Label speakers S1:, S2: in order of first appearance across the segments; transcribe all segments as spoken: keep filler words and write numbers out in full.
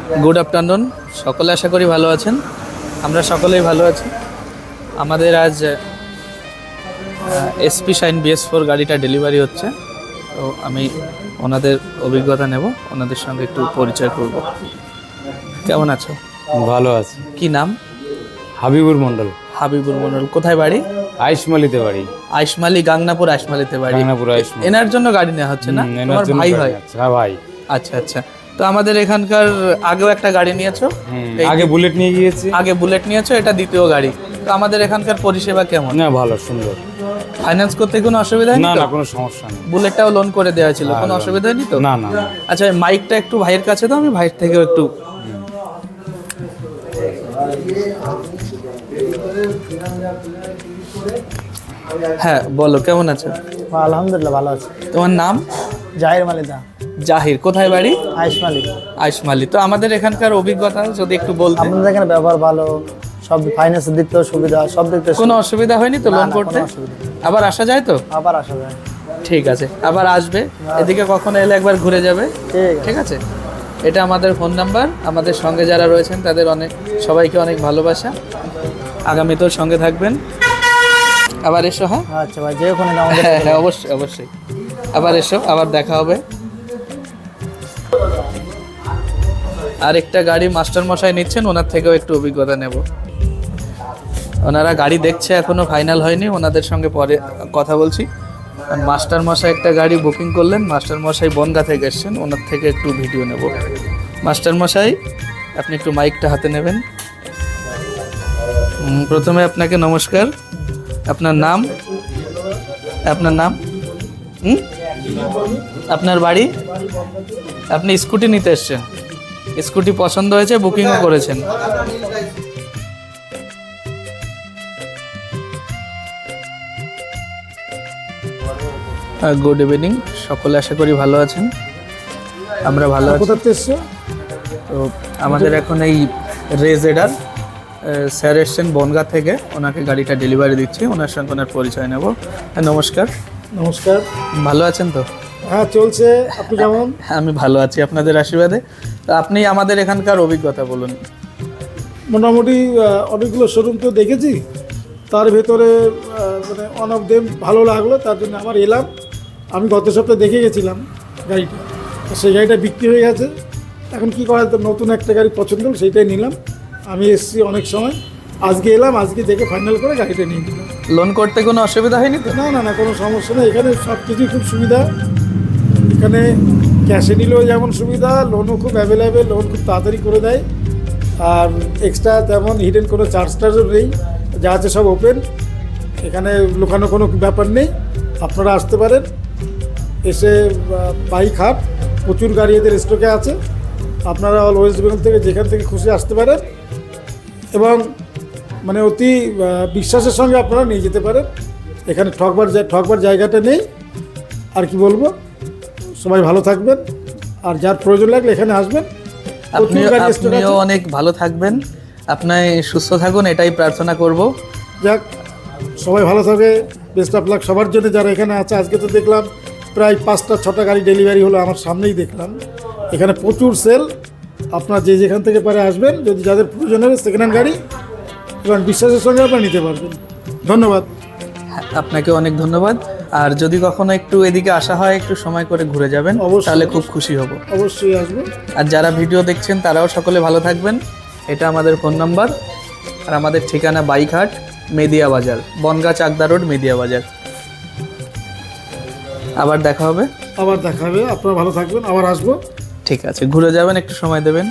S1: Good afternoon, সকলে আশা করি ভালো আছেন। আমরা সকলেই ভালো আছি। আমাদের আজ এসপি শাইন বিএস ফোর গাড়িটা ডেলিভারি হচ্ছে, তো আমি ওনাদের অভিজ্ঞতা নেব, ওনাদের সঙ্গে একটু পরিচয় করব। কেমন আছো?
S2: ভালো আছে।
S1: কি নাম?
S2: হাবিবুর মন্ডল।
S1: হাবিবুর মন্ডল। কোথায় বাড়ি?
S2: আইসমালিতে বাড়ি।
S1: আইসমালি, গাংনাপুর আইসমালিতে বাড়ি।
S2: গাংনাপুর আইসমালি।
S1: এনার জন্য গাড়ি নেওয়া হচ্ছে না? তোমার ভাই হয়?
S2: হ্যাঁ ভাই।
S1: আচ্ছা আচ্ছা। তো আমাদের এখানকার আগেও একটা গাড়ি নিয়েছো?
S2: আগে বুলেট নিয়ে গিয়েছি।
S1: আগে বুলেট নিয়েছো, এটা দ্বিতীয় গাড়ি। তো আমাদের এখানকার পরিষেবা কেমন?
S2: না, ভালো, সুন্দর।
S1: ফাইন্যান্স করতে কোনো অসুবিধা হয়নি?
S2: না
S1: তো
S2: না, কোনো সমস্যা নেই।
S1: বুলেটটাও লোন করে দেওয়া ছিল, কোনো অসুবিধা হয়নি তো?
S2: না না।
S1: আচ্ছা, মাইকটা একটু ভাইয়ের কাছে দাও, আমি ভাইয়ের থেকেও একটু। হ্যাঁ বলো, কেমন আছো?
S3: আলহামদুলিল্লাহ ভালো আছে।
S1: তোমার নাম?
S3: জাহির মালিদা।
S1: জাহির। কোথায় বাড়ি?
S3: আইসমালি।
S1: আইসমালি। তো আমাদের এখানকার অভিজ্ঞতা যদি একটু বলতে।
S3: আপনাদের এখানে ব্যবহার ভালো, সব ফাইন্যান্সের দিক থেকে সুবিধা, সব দিক থেকে
S1: কোনো অসুবিধা হয়নি তো লোন করতে? আবার আসা যায় তো?
S3: আবার আসা যায়।
S1: ঠিক আছে, আবার আসবে। এদিকে কখনো এলে একবার ঘুরে যাবে। ঠিক আছে। এটা আমাদের ফোন নাম্বার। আমাদের সঙ্গে যারা রয়েছেন তাদের অনেক, সবাইকে অনেক ভালোবাসা। আগামীতেও সঙ্গে থাকবেন। আবার এসো। হ্যাঁ
S3: আচ্ছা ভাই, যে ওখানে
S1: হ্যাঁ হ্যাঁ অবশ্যই অবশ্যই। আবার এসো, আবার দেখা হবে। আর একটা গাড়ি মাস্টার মশাই নিচ্ছেন, ওনার থেকেও একটু অভিজ্ঞতা নেব। ওনারা গাড়ি দেখছে, এখনো ফাইনাল হয়নি, ওনাদের সঙ্গে পরে কথা বলছি। মাস্টার মশাই একটা গাড়ি বুকিং করলেন, মাস্টার মশাই বনগাঁ থেকে এসছেন, ওনার থেকে একটু ভিডিও নেব। মাস্টার মশাই, আপনি একটু মাইকটা হাতে নেবেন। প্রথমে আপনাকে নমস্কার। আপনার নাম? আপনার নাম? হুম আপনার বাড়ি? আপনি স্কুটি নিতে এসছেন, স্কুটি পছন্দ হয়েছে, বুকিংও করেছেন। গুড ইভিনিং, সকলে আশা করি ভালো আছেন। আমরা ভালো আছি। তো আমাদের এখন এই রেজেডার স্যার এসছেন বনগাঁ থেকে, ওনাকে গাড়িটা ডেলিভারি দিচ্ছি, ওনার সঙ্গে ওনার পরিচয় নেব। নমস্কার।
S3: নমস্কার।
S1: ভালো আছেন তো?
S3: হ্যাঁ চলছে। আপনি কেমন?
S1: আমি ভালো আছি আপনাদের আশীর্বাদে। তো আপনি আমাদের এখানকার অভিজ্ঞতা বলুন।
S3: মোটামুটি অনেকগুলো শোরুম তো দেখেছি, তার ভেতরে মানে ওয়ান অফ দেম ভালো লাগলো, তার জন্য আমার এলাম। আমি গত সপ্তাহে দেখে গেছিলাম গাড়িটা, সেই গাড়িটা বিক্রি হয়ে গেছে। এখন কী করা, তো নতুন একটা গাড়ি পছন্দ হল, সেইটাই নিলাম। আমি এসেছি অনেক সময়, আজকে এলাম, আজকে দেখে ফাইনাল করে গাড়িটা নিয়ে নিলাম।
S1: লোন করতে কোনো অসুবিধা হয়নি তো?
S3: না না না, কোনো সমস্যা নেই। এখানে সব কিছুই খুব সুবিধা। এখানে ক্যাশে নিলেও যেমন সুবিধা, লোনও খুব অ্যাভেলেবেল, লোন খুব তাড়াতাড়ি করে দেয়। আর এক্সট্রা তেমন হিডেন কোনো চার্জ টার্জও নেই, যা আছে সব ওপেন। এখানে লুকানো কোনো ব্যাপার নেই। আপনারা আসতে পারেন, এসে বাইক হাট, প্রচুর গাড়ি এদের স্টকে আছে। আপনারা অল ওয়েস্ট বেঙ্গল থেকে যেখান থেকে খুশি আসতে পারেন, এবং মানে অতি বিশ্বাসের সঙ্গে আপনারা নিয়ে যেতে পারেন। এখানে ঠকবার ঠকবার জায়গাটা নেই। আর কি বলবো, সবাই ভালো থাকবেন, আর যার প্রয়োজন লাগলে এখানে আসবেন।
S1: আপনিও অনেক ভালো থাকবেন, আপনি সুস্থ থাকুন, এটাই প্রার্থনা করব।
S3: যাক, সবাই ভালো থাকে, বেস্ট অফ লাক সবার জন্য যারা এখানে আছে। আজকে তো দেখলাম প্রায় পাঁচটা ছটা গাড়ি ডেলিভারি হলো, আমার সামনেই দেখলাম। এখানে প্রচুর সেল। আপনারা যে যেখান থেকে পারে আসবেন, যদি যাদের প্রয়োজন হবে সেকেন্ড হ্যান্ড গাড়ি, এবং বিশ্বাসের সঙ্গে আপনারা নিতে পারবেন। ধন্যবাদ।
S1: আপনাকে অনেক ধন্যবাদ। আর যদি কখনো একটু এদিকে আসা হয়, একটু সময় করে ঘুরে যাবেন, তাহলে খুব খুশি হব।
S3: অবশ্যই আসবো।
S1: আর যারা ভিডিও দেখছেন তারাও সকলে ভালো থাকবেন। এটা আমাদের ফোন নাম্বার, আর আমাদের ঠিকানা বাইকহাট, মেদিয়া বাজার, বনগাঁ চাকদা রোড, মেদিয়া বাজার। আবার দেখা হবে।
S3: আবার দেখা হবে। আপনারা ভালো থাকবেন, আবার আসবো।
S1: ঠিক আছে, ঘুরে যাবেন, একটু সময় দেবেন।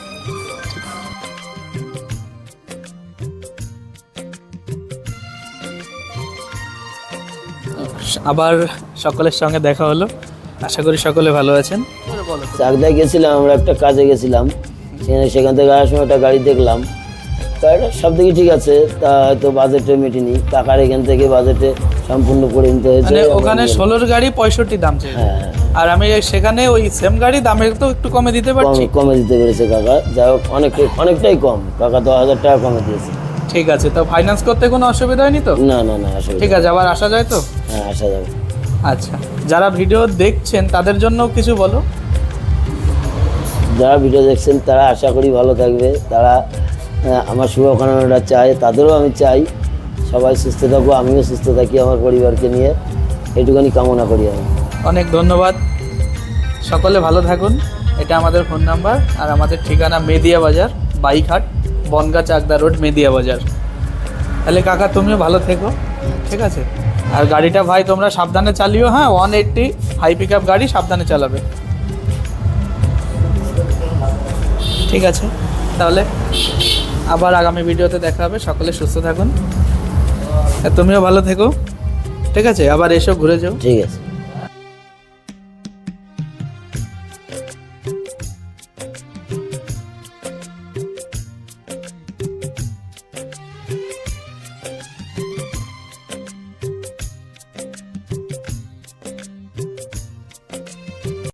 S1: আবার সকলের সঙ্গে দেখা হলো, আশা করি সকলে ভালো আছেন।
S4: চাকদায় গেছিলাম, আমরা একটা কাজে গেছিলাম, সেখানে সেখান থেকে আসার সময় একটা গাড়ি দেখলাম। গাড়িটা সব দিকে ঠিক আছে, তা হয়তো বাজেটে মেটেনি, টাকার এখান থেকে বাজেটে সম্পূর্ণ করে নিতে হয়েছে।
S1: মানে ওখানে ষোলোর গাড়ি পঁয়ষট্টি দাম ছিল, আর আমি সেখানে ওই সেম গাড়ি দামের তো একটু কমে দিতে পারছি।
S4: কমে দিতে পেরেছে কাকা, যাই হোক অনেকটাই অনেকটাই কম। কাকা দশ হাজার টাকা কমে দিয়েছে।
S1: ঠিক আছে, তো ফাইন্যান্স করতে কোনো অসুবিধা হয়নি তো?
S4: না না না, আসলে
S1: ঠিক আছে, আবার আসা যায় তো?
S4: হ্যাঁ, আসা যাবে।
S1: আচ্ছা, যারা ভিডিও দেখছেন তাদের জন্য কিছু বলো।
S4: যারা ভিডিও দেখছেন তারা আশা করি ভালো থাকবে, তারা আহ, আমার শুভকামনাটা চায়, তাদেরও আমি চাই সবাই সুস্থ থাকবো, আমিও সুস্থ থাকি আমার পরিবারকে নিয়ে, এইটুখানি কামনা করি আমি।
S1: অনেক ধন্যবাদ, সকলে ভালো থাকুন। এটা আমাদের ফোন নাম্বার, আর আমাদের ঠিকানা মেদিয়া বাজার, বাইকহাট, বনগা চাকদা রোড, মেদিয়া বাজার। তাহলে কাকা তুমিও ভালো থেকো, ঠিক আছে? আর গাড়িটা ভাই তোমরা সাবধানে চালিও, হ্যাঁ, one eighty high pick up গাড়ি, সাবধানে চালাবে, ঠিক আছে? তাহলে আবার আগামী ভিডিওতে দেখা হবে, সকলে সুস্থ থাকুন, আর তুমিও ভালো থেকো, ঠিক আছে? আবার এসো, ঘুরে যাও।
S4: ঠিক আছে।